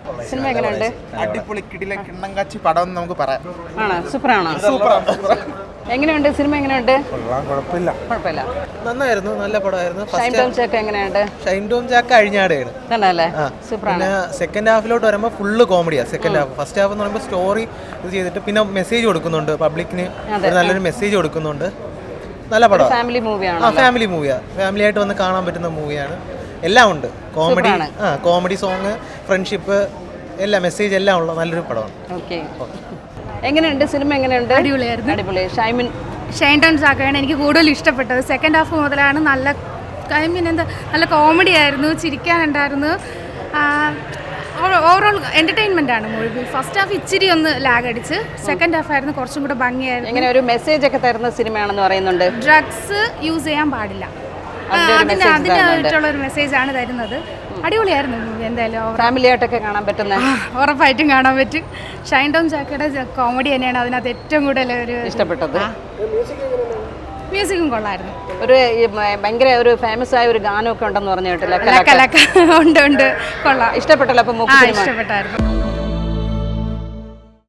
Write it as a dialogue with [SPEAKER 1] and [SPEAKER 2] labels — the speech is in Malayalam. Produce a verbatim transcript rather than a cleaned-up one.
[SPEAKER 1] സിനിമ എങ്ങനെയുണ്ട്?
[SPEAKER 2] അടിപൊളി കിടില കിണ്ണങ്കാച്ചി പടം എന്ന് നമുക്ക് പറയാം.
[SPEAKER 1] ആണോ? സൂപ്പറാണോ? എങ്ങനെയുണ്ട് സിനിമ? എങ്ങനെയുണ്ട്?
[SPEAKER 2] കുഴപ്പമില്ല
[SPEAKER 1] കുഴപ്പമില്ല,
[SPEAKER 3] നന്നായിരുന്നു, നല്ല പടമായിരുന്നു.
[SPEAKER 1] ഷൈൻ ടോം ചാക്ക എങ്ങനെയുണ്ട്?
[SPEAKER 3] ഷൈൻ ടോം ചാക്ക അഴിഞ്ഞാടെയാണ്.
[SPEAKER 1] തന്നെയല്ലേ? സൂപ്പറാണ്.
[SPEAKER 3] പിന്നെ സെക്കൻഡ് ഹാഫിലോട്ട് വരുമ്പോൾ ഫുള്ള് കോമഡിയാണ്. സെക്കൻഡ് ഹാഫ് ഫസ്റ്റ് ഹാഫ് എന്ന് പറയുമ്പോൾ സ്റ്റോറി ഇത് ചെയ്തിട്ട് പിന്നെ മെസ്സേജ് കൊടുക്കുന്നുണ്ട് പബ്ലിക്കിന്, നല്ലൊരു മെസ്സേജ് കൊടുക്കുന്നുണ്ട്. നല്ല പടം,
[SPEAKER 1] ഫാമിലി മൂവിയാണ്.
[SPEAKER 3] ആ ഫാമിലി മൂവിയാണ്, ഫാമിലി ആയിട്ട് വന്ന് കാണാൻ പറ്റുന്ന മൂവിയാണ്. എല്ലാം ഉണ്ട്, കോമഡി, ആ കോമഡി സോങ്, ഫ്രണ്ട്ഷിപ്പ്, എല്ലാ മെസ്സേജ് എല്ലാം ഉള്ള നല്ലൊരു പടമാണ്.
[SPEAKER 1] ഓക്കെ, എങ്ങനെയുണ്ട് സിനിമ? എങ്ങനെയുണ്ട്?
[SPEAKER 4] അടിപൊളിയായിരുന്നു.
[SPEAKER 1] അടിപൊളി. ഷൈമിൻ
[SPEAKER 4] ഷൈൻ ടോം ചാക്കയാണ് എനിക്ക് കൂടുതൽ ഇഷ്ടപ്പെട്ടത്. സെക്കൻഡ് ഹാഫ് മുതലാണ് നല്ല ഐ മീൻ എന്താ നല്ല കോമഡി ആയിരുന്നു, ചിരിക്കാനുണ്ടായിരുന്നു. ഓവറോൾ എൻ്റർടൈൻമെൻ്റ് ആണ് മൂവി. ഫസ്റ്റ് ഹാഫ് ഇച്ചിരി ഒന്ന് ലാഗ് അടിച്ച്, സെക്കൻഡ് ഹാഫ് ആയിരുന്നു കുറച്ചും കൂടെ ഭംഗിയായിരുന്നു.
[SPEAKER 1] എങ്ങനെ ഒരു മെസ്സേജ് ഒക്കെ തരുന്ന സിനിമയാണെന്ന് പറയുന്നുണ്ട്.
[SPEAKER 4] ഡ്രഗ്സ് യൂസ് ചെയ്യാൻ പാടില്ല, അതിന് അതിനായിട്ടുള്ള ഒരു മെസ്സേജാണ് തരുന്നത്. അടിപൊളിയായിരുന്നു മൂവി. എന്തായാലും
[SPEAKER 1] ഫാമിലി ആയിട്ടൊക്കെ കാണാൻ പറ്റുന്ന,
[SPEAKER 4] ഉറപ്പായിട്ടും കാണാൻ പറ്റും. ഷൈൻ ടോം ചാക്കയുടെ കോമഡി തന്നെയാണ് അതിനകത്ത് ഏറ്റവും കൂടുതൽ ഒരു
[SPEAKER 1] ഇഷ്ടപ്പെട്ടത്.
[SPEAKER 4] മ്യൂസിക്കും കൊള്ളായിരുന്നു.
[SPEAKER 1] ഒരു ഭയങ്കര ഒരു ഫേമസ് ആയ ഒരു ഗാനമൊക്കെ ഉണ്ടെന്ന് പറഞ്ഞു കേട്ടില്ല?
[SPEAKER 4] ഉണ്ട് ഉണ്ട് കൊള്ളാം.
[SPEAKER 1] ഇഷ്ടപ്പെട്ടല്ലോ? അപ്പൊ
[SPEAKER 4] ഇഷ്ടപ്പെട്ടായിരുന്നു.